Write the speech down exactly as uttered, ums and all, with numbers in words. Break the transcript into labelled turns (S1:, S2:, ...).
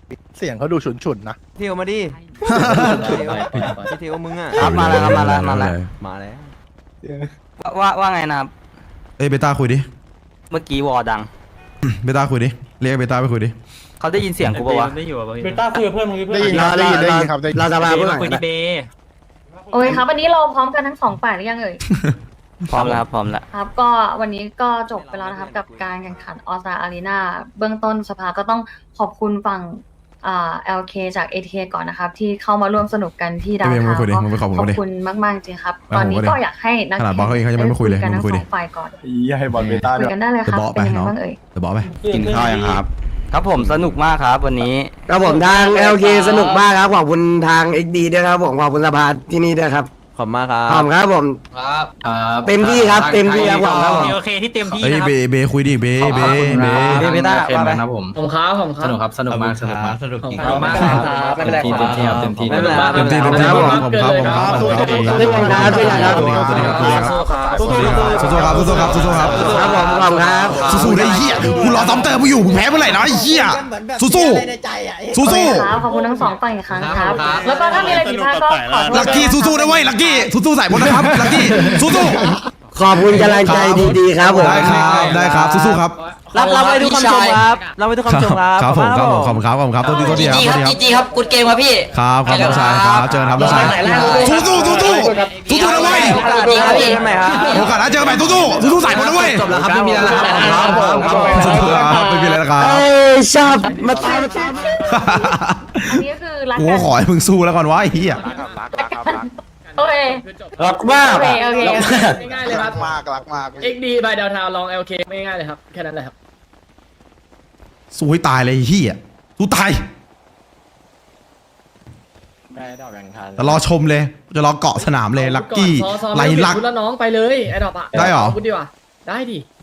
S1: เสียงเขาดูฉุนๆนะ
S2: เที่ยวมาดิเที่ยวมึงอ่ะ
S3: ครับมาแล้วครับมาแล้วมาแล้ว
S2: มาแล้ว
S3: ว่าว่าว่าไงนะครับ
S4: เอ้ยเบต้าคุยดิ
S3: เมื่อกี้วอดัง
S4: เบต้าคุยดิเรียกเบต้าไปคุยดิ
S3: เขาได้ยินเสียงกูปะวะ
S5: เบต้าคุยกับเพื่อนมึง
S1: ได้ยินครับได้ยินได้ยินครับได้ยิน
S3: เราจะมาเพื่อน
S5: คุยดีเบ
S6: โอเคครับวันนี้เราพร้อมกันทั้งสองฝ่ายหรือยังเอ่ย
S3: พร้อมแล้วครับพร้อมแล้ว
S6: ครับก็วันนี้ก็จบไปแล้วนะครับกับการแข่งขันออสตาอารีนาเบื้องต้นสภาก็ต้องขอบคุณฝั่งอ่า แอล เค จาก เอ ที เค ก่อนนะครับที่เข้ามาร่วมสนุกกันที่ดาว
S4: ไม่
S6: เทา
S4: ไม่คุยดิ
S6: ก็
S4: มึงไปขอบคุณ
S6: ขอ
S4: เขา
S6: บ
S4: ดิ
S6: คุณมากๆจริงครับ
S4: ไม่
S6: ตอนนี้
S4: ผมก็ดิ
S6: ก็อยากให้นัก
S4: ขนาดบอสเขาเองเขายังไม่คุยเลย
S6: กัน
S4: มึ
S6: ทั้
S4: ง
S6: ง
S4: คุย
S6: ส
S4: ดิ
S6: องฝ่ายก่อน
S1: อย่าให้บอลเบต้า
S6: คุ
S1: ด้วย ย
S6: กันได้เลยครับ
S4: เดี๋ยวบอกไป
S6: เป็นยังไง
S4: น้อง
S6: บ้างเอ่ย
S4: เดี๋ยวบอกไป
S5: กินข้าวยังครับ
S3: ครับผมสนุกมากครับวันนี้
S7: ครับผมทาง แอล เค สนุกมากครับขอบคุณทาง เอ็กซ์ ดี ด้วยครับผมขอบคุณสภาที่นี่ด้วยครับ
S2: ขอบมากครั
S7: ขอบบ คุณครับผม
S5: ครับ
S7: เต็มที่ครับเต็มที่ครับผมครับผม
S5: โอเคที่เต็มที่
S4: เอ้ย
S5: นะครั
S4: เบเบคุยดิเบเบเบ
S3: เบต้าว่าไป
S5: ผมครับผมครับ
S8: สนุกครับสนุกมากสนุกมาก
S5: สนุกจริง
S8: ขอบคุณมากครับไม่เป็นไรครับเต็มที่ครับเต็มที่
S3: ไม่เป็นไร
S4: เต็มที่เต็มที่ผมผมครับผมครับผมครับผมครับ
S7: ด้วยกันครับด้วยกันครับ
S4: สวัสดีครับสวัสดีครับสวัสดีครับสู้ๆครับสู้ๆครับสู้ๆครับ
S7: ครับผมขอบคุณครับ
S4: สู้ๆได้เหี้ยกูรอซ้ำเติมมึงอยู่มึงแพ้เมื่อไหร่นะไอ้เหี้ยสู้ๆสู้
S6: โอเค
S4: ๆ
S6: ครับขอบคุณทั้งสองฝ่ายอีกครั้งครับ แล้วก็ถ้ามีอะไรผิดพลาดก็ขอโทษ
S4: ลักกี้สู้ๆนะเว้ยลักกี้สู้ๆใส่หมดนะครับลักกี้สู้ๆ
S7: ขอบคุณกำลังใจดีๆครับผม
S4: ได้ครับได้ครับสู้ๆครับ
S2: รับรับไว้ทุกคำชมครับรับไว้ทุกคำชมครับ
S4: ครับผมครับผมขอบ
S2: ข
S4: คุณครับขอบคุณครับตัวดีตัวดีครับตัวดีครับ
S3: จีจีครับกูดเกมครับพี่
S4: ครับครับน้องชายครับเจอกันครับน้องชายสู้สู้สู้สู้สู้สู้นะเว้ย
S3: ดีครับพี่
S2: ใหม่ครับ
S4: โอกาสหน้าเจอกันใหม่สู้สู้สู้สู้ใส่หมดนะเว้ย
S7: จบแล้วครับไม่มีแล้วครับผมครับผม
S4: สู้ครับไม่มีอะไรนะครับ
S7: เอ้ยชอบมาตายมาตาย
S6: อันนี้ก็คือรัก
S4: กู
S6: กั
S4: ก็
S6: น
S4: ขอให้มึงสู้แล้วก่อนวะไอ้เหี้ย
S6: โอเค
S7: รักมาก
S6: โอเคโอเค
S5: ง่ายๆเลยค
S1: รั
S5: รับ
S1: กมากรักมาก
S5: เอ็กดีบายดาวทาวลอง แอล เค ไม่ง่ายเลยครับแค่นั้นเลยครับ
S4: สู้ให้ตายเลยไอ้เหี้ยสู้ตาย
S8: ได้ดอกแบ่งทัน
S4: แต่รอชมเลยจะรอเกาะสนามเลยลักกี้
S5: ซอซอ
S4: ไล
S5: ม่ต้อง
S4: ลัก
S5: เปลี่ยนชุดแล้วน้องไปเลยไอ้ดอกอะ
S4: ได้เหรอ
S5: พูดดีกว่าได้ดิ